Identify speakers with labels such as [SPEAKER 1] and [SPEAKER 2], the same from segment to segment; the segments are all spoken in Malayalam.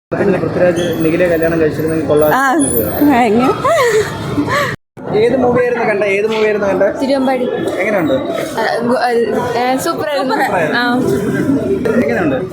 [SPEAKER 1] പൃഥ്വിരാജ് നിഖിലെ കല്യാണം കഴിച്ചിരുന്നെങ്കിൽ കൊള്ളാം. ഏത് മൂവിയായിരുന്നു കണ്ട?
[SPEAKER 2] തിരുവമ്പാടി.
[SPEAKER 1] എങ്ങനെയുണ്ട്?
[SPEAKER 2] സൂപ്പർ ആയിരുന്നു.
[SPEAKER 1] എങ്ങനെയുണ്ട്?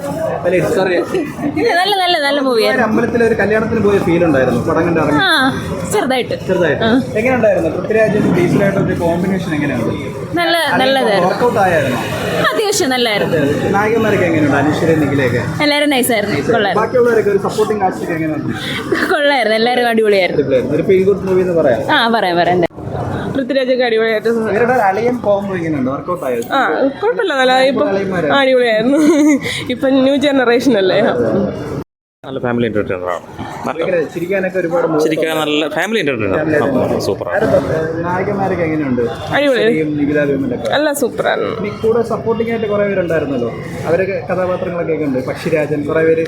[SPEAKER 2] നല്ല മൂവിയായിരുന്നു.
[SPEAKER 1] അമ്പലത്തിലെ ഒരു കല്യാണത്തിന് പോയ ഫീൽ ഉണ്ടായിരുന്നു പടം കണ്ട് ഇറങ്ങി.
[SPEAKER 2] ചെറുതായിട്ട്.
[SPEAKER 1] എങ്ങനെയുണ്ടായിരുന്നു? പൃഥ്വിരാജും ബേസിലായിട്ടൊരു കോമ്പിനേഷൻ എങ്ങനെയുണ്ട്?
[SPEAKER 2] നല്ലതായിരുന്നു.
[SPEAKER 1] വർക്കൗട്ട് ആയിരുന്നു.
[SPEAKER 2] അത്യാവശ്യം നല്ലായിരുന്നു.
[SPEAKER 1] നായകന്മാരൊക്കെ എങ്ങനെയുണ്ട്? അനുശ്വര നിഖിലൊക്കെ
[SPEAKER 2] എല്ലാവരും നൈസായിരുന്നു. കൊള്ളായിരുന്നു.
[SPEAKER 1] ബാക്കിയുള്ളവരൊക്കെ ഒരു സപ്പോർട്ടിംഗ് കാസ്റ്റ് ഒക്കെ എങ്ങനെയുണ്ട്?
[SPEAKER 2] കൊള്ളായിരുന്നു. എല്ലാവരും അടിപൊളിയായിരുന്നു.
[SPEAKER 1] ഒരു ഫീൽ ഗുഡ് മൂവി എന്ന് പറയാം.
[SPEAKER 2] പറയാം.
[SPEAKER 3] പൃഥ്വിരാജൊക്കെ അടിപൊളിയായിട്ട്
[SPEAKER 1] അളിയൻ പോകുമ്പോൾ എങ്ങനെയുണ്ട്? വർക്കൗട്ട് ആയത്?
[SPEAKER 3] കുഴപ്പമില്ല. നല്ല ഇപ്പം അടിപൊളിയായിരുന്നു. ഇപ്പം ന്യൂ ജനറേഷൻ അല്ലേ.
[SPEAKER 4] നല്ല ഫാമിലി എന്റർടൈനറാണ്.
[SPEAKER 1] ചിരിക്കാൻ
[SPEAKER 4] നല്ല ഫാമിലി എന്റർടൈനർ. സൂപ്പറാണ്.
[SPEAKER 1] നായകന്മാരൊക്കെ എങ്ങനെയുണ്ട്?
[SPEAKER 3] നല്ല സൂപ്പറാണ്.
[SPEAKER 1] കൂടെ സപ്പോർട്ടിംഗ് ആയിട്ട് കുറെ പേരുണ്ടായിരുന്നല്ലോ. അവരൊക്കെ കഥാപാത്രങ്ങളൊക്കെ ഉണ്ട്. പക്ഷിരാജൻ കുറെ പേര്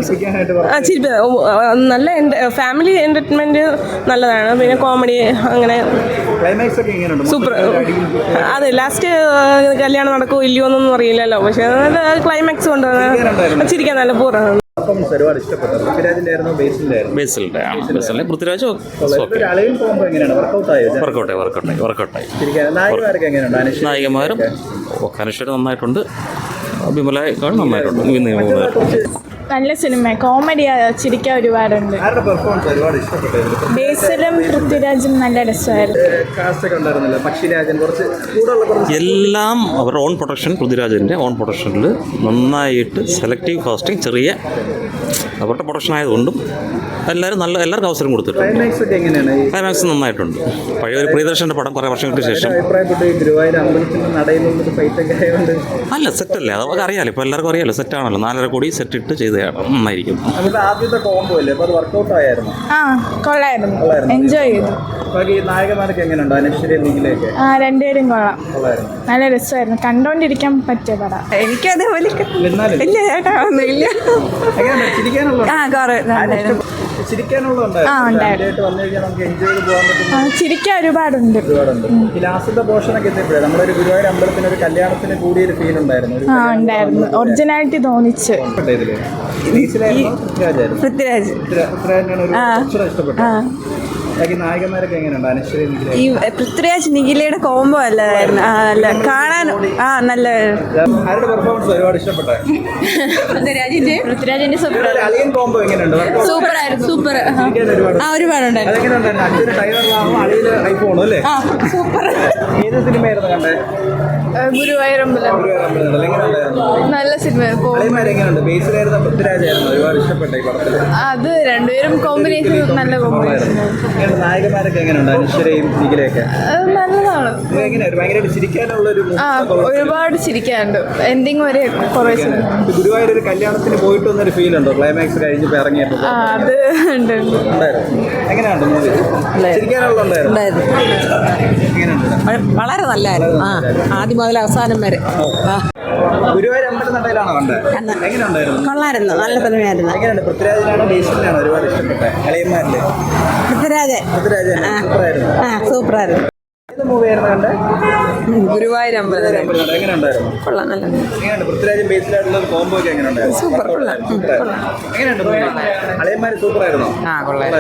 [SPEAKER 3] നല്ല ഫാമിലി എന്റർടൈൻമെന്റ് നല്ലതാണ്. പിന്നെ കോമഡി അങ്ങനെ
[SPEAKER 1] ക്ലൈമാക്സ് ഒക്കെ എങ്ങനെയുണ്ട്?
[SPEAKER 3] സൂപ്പർ. അതെ, ലാസ്റ്റ് കല്യാണം നടക്കുമോ ഇല്ലയോ എന്നൊന്നും അറിയില്ലല്ലോ. പക്ഷെ ക്ലൈമാക്സ് കൊണ്ട് ചിരിക്കാൻ നല്ല പൂർണ്ണമാണ്.
[SPEAKER 1] ഒരുപാട് ഇഷ്ടപ്പെട്ടു. പൃഥ്വിരാജിന്റെ ആയിരുന്നു
[SPEAKER 4] ബേസിലിന്റെ പൃഥ്വിരാജ് വർക്കൗട്ടായി. നായികമാരും അനുശ്വര നന്നായിട്ടുണ്ട്. വിമലയേക്കാൾ നന്നായിട്ടുണ്ട്.
[SPEAKER 2] നല്ല സിനിമ. കോമഡി ചിരിക്കാൻ ഒരുപാടുണ്ട്. ബേസിലും പൃഥ്വിരാജും നല്ല രസമായിരുന്നു.
[SPEAKER 4] എല്ലാം അവരുടെ ഓൺ പ്രൊഡക്ഷൻ. പൃഥ്വിരാജിൻ്റെ ഓൺ പ്രൊഡക്ഷനിൽ നന്നായിട്ട് സെലക്റ്റീവ് കാസ്റ്റിംഗ്, ചെറിയ അവരുടെ പ്രൊഡക്ഷൻ ആയതുകൊണ്ടും എല്ലാവർക്കും അവസരം കൊടുത്തിട്ടുണ്ട്. ക്ലൈമാക്സ് നന്നായിട്ടുണ്ട്. പഴയ ഒരു പ്രിയദർശൻ്റെ പടം കുറേ വർഷങ്ങൾക്ക് ശേഷം. അല്ല, സെറ്റല്ലേ, അതൊക്കെ അറിയാമല്ലോ. ഇപ്പോൾ എല്ലാവർക്കും അറിയാമല്ലോ, സെറ്റാണല്ലോ. 4.5 കോടി സെറ്റ് ഇട്ട് ചെയ്തതാണ്. നന്നായിരിക്കും.
[SPEAKER 2] കൊള്ളായിരുന്നു. എൻജോയ് ചെയ്തു. രണ്ടുപേരും കൊള്ളാം. നല്ല രസമായിരുന്നു. കണ്ടോണ്ടിരിക്കാൻ പറ്റിയ പടം. എനിക്കതേപോലെ ചിരിക്കാൻ ഒരുപാടുണ്ട്. ഉണ്ടായിരുന്നു. ഒറിജിനാലിറ്റി തോന്നിച്ച്. പൃഥ്വിരാജ്.
[SPEAKER 1] നായകന്മാരൊക്കെ എങ്ങനെയുണ്ട്?
[SPEAKER 5] ഈ പൃഥ്വിരാജ് നിഖിലയുടെ കോംബോ അല്ലായിരുന്നു. കാണാൻ നല്ല.
[SPEAKER 1] ആരുടെ പെർഫോമൻസ് ഒരുപാട് ഇഷ്ടപ്പെട്ടു?
[SPEAKER 2] പൃഥ്വിരാജിന്റെ
[SPEAKER 1] കോംബോ എങ്ങനെയുണ്ട്?
[SPEAKER 2] സൂപ്പറായിരുന്നു.
[SPEAKER 5] ഒരുപാടുണ്ടായിരുന്നു.
[SPEAKER 1] ഐഫോണും അല്ലേ?
[SPEAKER 5] സൂപ്പർ.
[SPEAKER 1] ഏത് സിനിമയായിരുന്നു കണ്ടേ?
[SPEAKER 2] ഗുരുവായൂരമ്പലം. നല്ല സിനിമ.
[SPEAKER 1] എങ്ങനെയുണ്ട്? ബേസിലായിരുന്നു പൃഥ്വിരാജായിരുന്നു ഒരുപാട് ഇഷ്ടപ്പെട്ട ഈ പടത്തിൽ?
[SPEAKER 2] അത് രണ്ടുപേരും കോമ്പിനേഷൻ നല്ല കോമ്പിനേഷൻ.
[SPEAKER 1] നായകന്മാരൊക്കെ എങ്ങനെയുണ്ട്? അനുശ്വരയും നിഖിലയൊക്കെ
[SPEAKER 2] നല്ലതാണ്.
[SPEAKER 1] ഭയങ്കരമായിട്ട് ചിരിക്കാനുള്ള ഒരു
[SPEAKER 2] ഒരുപാട് ചിരിക്കാനുണ്ട്. എൻഡിങ് വരെ കുറേ.
[SPEAKER 1] ഗുരുവായൂർ ഒരു കല്യാണത്തിന് പോയിട്ട് വന്നൊരു ഫീൽ ഉണ്ടോ ക്ലൈമാക്സ് കഴിഞ്ഞ് ഇറങ്ങിയപ്പോൾ?
[SPEAKER 2] അത് ഉണ്ട്.
[SPEAKER 1] എങ്ങനെയുണ്ട് മൂവി? ചിരിക്കാനുള്ള ഉണ്ടായിരുന്നു.
[SPEAKER 5] വളരെ നല്ലതായിരുന്നു. ആദ്യം മുതൽ അവസാനം വരെ.
[SPEAKER 1] ഗുരുവായൂർ അമ്പലനടയിലാണോ കണ്ടത്? എങ്ങനെയുണ്ടായിരുന്നു?
[SPEAKER 5] കൊള്ളായിരുന്നു. നല്ല സിനിമയായിരുന്നു.
[SPEAKER 1] എങ്ങനെയുണ്ട്? പൃഥ്വിരാജിനാണോ ബേസിലാണോ ഒരുപാട് ഇഷ്ടപ്പെട്ടത്? അളിയന്മാരില്
[SPEAKER 5] പൃഥ്വിരാജ് സൂപ്പറായിരുന്നു.
[SPEAKER 1] ഏത് മൂവിയായിരുന്നു കണ്ടത്?
[SPEAKER 5] ഗുരുവായൂർ അമ്പലം.
[SPEAKER 1] എങ്ങനെയുണ്ടായിരുന്നു?
[SPEAKER 5] കൊള്ളാം. നല്ല.
[SPEAKER 1] എങ്ങനെയുണ്ട്? പൃഥ്വിരാജും ബേസിലായിട്ടുള്ള കോംബോ ഒക്കെ എങ്ങനെയുണ്ടായിരുന്നു?
[SPEAKER 5] സൂപ്പർ.
[SPEAKER 1] എങ്ങനെയുണ്ട്? അളിയന്മാര് സൂപ്പറായിരുന്നോ?
[SPEAKER 5] കൊള്ളാം.